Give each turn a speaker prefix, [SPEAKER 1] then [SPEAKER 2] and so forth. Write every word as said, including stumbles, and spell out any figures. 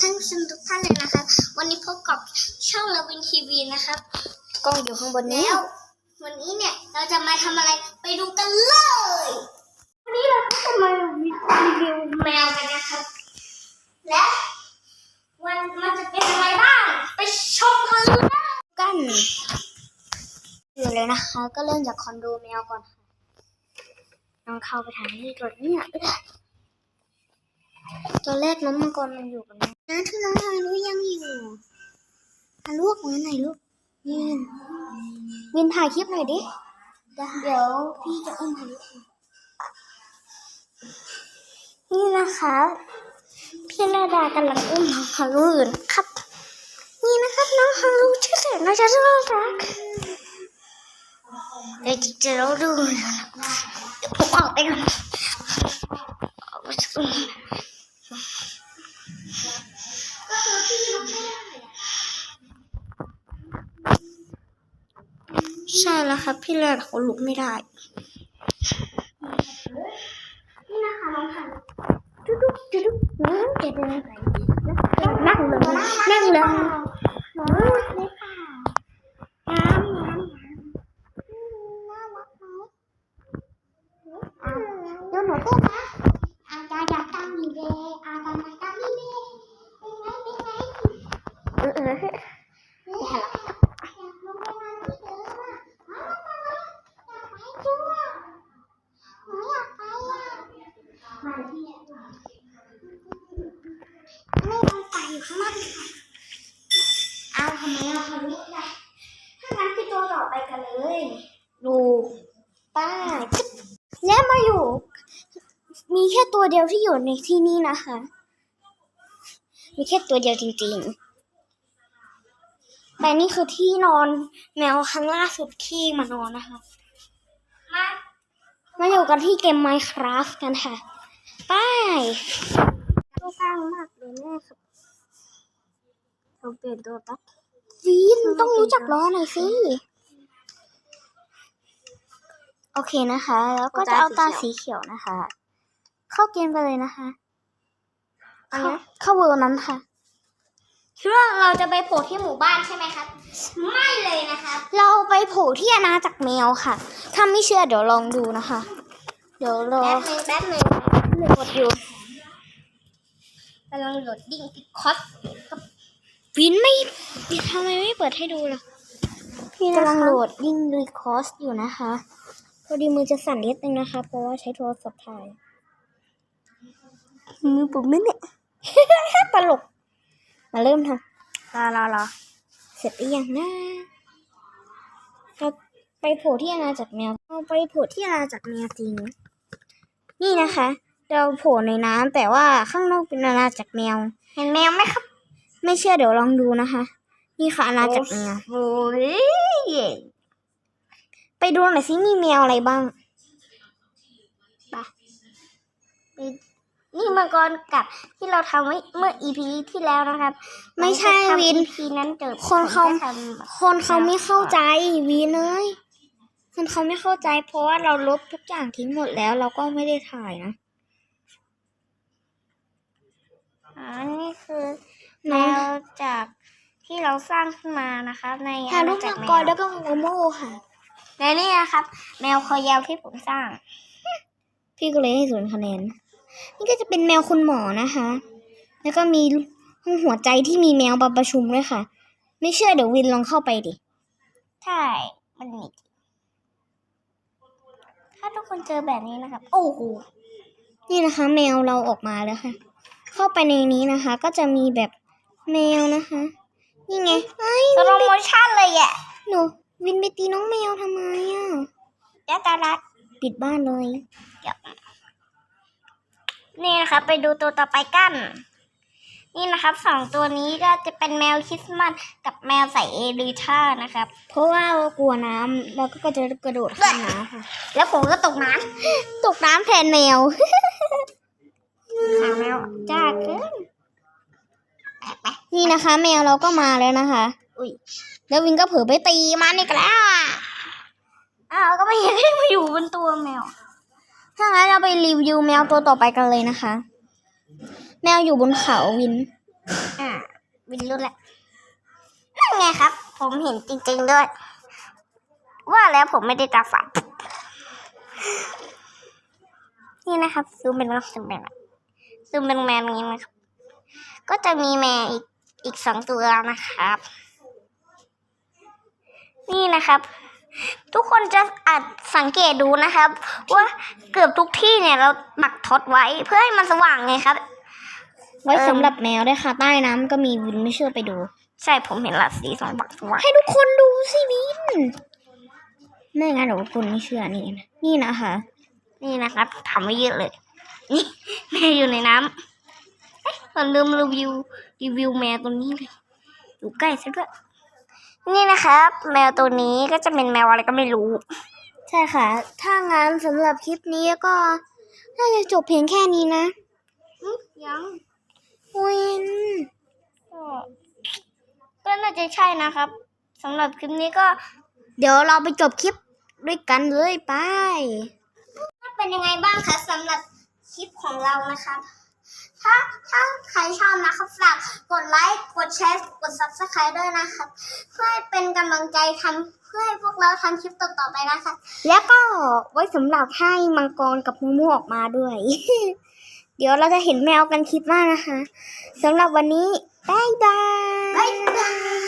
[SPEAKER 1] ท่านผู้ชมทุกท่านเลยนะครับวันนี้พบกับช่องลาวินทีวีนะครับกล้องอยู่ข้างบนนี้แล้ววันนี้เนี่ยเราจะมาทำอะไรไปดูกันเลยวันนี้เราก็จะมารีวิวแมวกันนะครับและวันมันจะเป็นอะไรบ้างไปชมกันกันอยู่เลยนะคะก็เริ่มจากคอนโดแมวก่อนค่ะลองเข้าไปทางนี้ก่อนเนี่ยตัวแรกน้องมังกรมันอยู่กับแม่นะที่น้องฮารุยังอยู่ฮารุออกมาหน่อยลูกวินวินถ่ายคลิปหน่อยดิเดี๋ยวพี่จะอุ้มฮารุนี่นะคะพี่นาดากำลังอุ้มฮารุอยู่นะครับนี่นะครับน้องฮารุชื่อเสียงน่าจะน่ารักเดี๋ยวจะเราดูผมออกไปก่อนใช่แล้วครับพี่เลิศเขาลุกไม่ได้นี่นะคะน้องพันจุ๊ดุ๊กจุ๊ดุ๊กน้องจะเดินไปนั่งเลยนั่งเลยน้องเลยค่ะน้ำน้ำน้ำน่ารักไหมเดี๋ยวหนูตู้นะอาจารย์อยากตั้งดีเดย์อาจารย์อยากตั้งดีเดย์เป็นไงเป็นไงเออเออนี่ค่ะเอาทำไมเราทำไม่ได้ถ้างั้นพี่ตัวต่อไปกันเลยดูป้าแล้วมาอยู่มีแค่ตัวเดียวที่อยู่ในที่นี่นะคะมีแค่ตัวเดียวจริงๆแต่นี่คือที่นอนแมวครั้งล่าสุดขี้มานอนนะคะมามาอยู่กันที่เกม Minecraft กันค่ะไปตัวกลางมากเลยแม่ครับเราเปลี่ยนตัวตั๊กวีนต้องรู้จักล้อหน่อยสิโอเคนะคะแล้วก็จะเอาตาสีเขียวนะคะเข้าเกมไปเลยนะคะเข้าเข้าเวอร์นั้นค่ะคิดว่าเราจะไปโผล่ที่หมู่บ้านใช่ไหมครับไม่เลยนะคะเราไปโผล่ที่อาณาจักรแมวค่ะถ้าไม่เชื่อเดี๋ยวลองดูนะคะเดี๋ยวรอแป๊บนึงแป๊บนึงกดอยู่กำลังโหลดดิ้งติดคอสวินไม่ทำไมไม่เปิดให้ดูล่ะพี่กำลังโหลดดิ้งรีคอสอยู่นะคะพอดีมือจะสั่นนิดนึงนะคะเพราะว่าใช้โทรศัพท์ถ่ายมือผมไม่เนี่ยตลกมาเริ่มทำรอรอรอเสร็จหรือยังนะเราไปโผล่ที่อาณาจักรแมวเราไปโผล่ที่อาณาจักรแมวจริงนี่นะคะเราโผล่ในน้ำแต่ว่าข้างนอกเป็นอาณาจักรแมวเห็นแมวไหมครับไม่เชื่อเดี๋ยวลองดูนะคะนี่ค่ะอาณาจักรแมวโอ้ยไปดูหน่อยสิมีแมวอะไรบ้างไปนี่มังกรกับที่เราทำไว้เมื่อ อี พี ที่แล้วนะครับไม่ใช่วิน อี พี นั้นเกิดคนเขาคนเขาไม่เข้าใจวินเลยคนเขาไม่เข้าใจเพราะว่าเราลบทุกอย่างทิ้งหมดแล้วเราก็ไม่ได้ถ่ายนะอ๋อนี่คือแมวจากที่เราสร้างขึ้นมานะคะในอาณาจักรแมวแล้วก็โมโม่ค่ะและนี่นะครับแมวคอยาวที่ผมสร้างพี่ก็เลยให้ศูนย์คะแนนนี่ก็จะเป็นแมวคุณหมอนะคะแล้วก็มีห้องหัวใจที่มีแมวมาประชุมด้วยค่ะไม่เชื่อเดี๋ยววินลองเข้าไปดิใช่มันมีถ้าทุกคนเจอแบบนี้นะครับโอ้โหนี่นะคะแมวเราออกมาแล้วค่ะเข้าไปในนี้นะคะก็จะมีแบบแมวนะคะนี่ไงสโลโมชั่นเลยอ่ะหนูวินไปตีน้องแมวทำไมอ่ะยาตาลัดปิดบ้านเลยเดี๋ยวนี่นะคะไปดูตัวต่อไปกันนี่นะครับสองตัวนี้ก็จะเป็นแมวคริสต์มาสกับแมวใส่เอริท่านะครับเพราะว่ากลัวน้ำแล้วก็จะกระโดดข้ามน้ำค่ะแล้วผมก็ตกน้ำตกน้ำแทนแมวขาแมวจ้าเกินนี่นะคะแมวเราก็มาแล้วนะคะอุ้ยแล้ววินก็เผลอไปตีมันอีกแล้วอ้าวก็ไม่เห็นให้มาอยู่บนตัวแมวถ้างั้นเราไปรีวิวแมวตัวต่อไปกันเลยนะคะแมวอยู่บนเขาวินอ่าวินรู้แหละนั่นไงครับ ผมเห็นจริงๆด้วย ว่าแล้วผมไม่ได้ตาฝาดนี่นะครับซูมเป็นลักษณะแบบซูมเป็นแมวอย่างนี้นะครับ ก็จะมีแมวอีกอีกสองตัวนะครับ นี่นะครับ ทุกคนจะอาจสังเกตดูนะครับ ว่าเกือบทุกที่เนี่ยเราปักท็อตไว้เพื่อให้มันสว่างไงครับ ไว้สำหรับแมวด้วยค่ะใต้น้ำก็มีวินไม่เชื่อไปดู ใช่ผมเห็นละสีสองปักสว่างให้ทุกคนดูสิวินไม่งั้นเดี๋ยวคุณไม่เชื่อนี่นะนี่นะคะ นี่นะครับทำไว้เยอะเลย นี่แมวอยู่ในน้ำเอ๊ะเราลืมรีวิวรีวิวแมวตัวนี้เลยอยู่ใกล้ซะด้วยนี่นะครับ แมวตัวนี้ก็จะเป็นแมวอะไรก็ไม่รู้ ใช่ค่ะ ถ้างั้นสำหรับคลิปนี้ก็น่าจะจบเพียงแค่นี้นะยังวินก็น่าจะใช่นะครับสำหรับคลิปนี้ก็ เดี๋ยวเราไปจบคลิปด้วยกันเลยไปเป็นยังไงบ้างคะสำหรับคลิปของเรานะครับ ถ้าถ้าใครชอบนะครับฝากกดไลค์กดแชร์กด ซับสไครบ์ ด้วยนะครับเพื่อเป็นกำลังใจทำเพื่อให้พวกเราทำคลิปต่อๆไปนะคะแล้วก็ไว้สำหรับให้มังกรกับมูมูออกมาด้วย เดี๋ยวเราจะเห็นแมวกันคลิปหน้านะคะสำหรับวันนี้บ๊ายบายบ๊ายบาย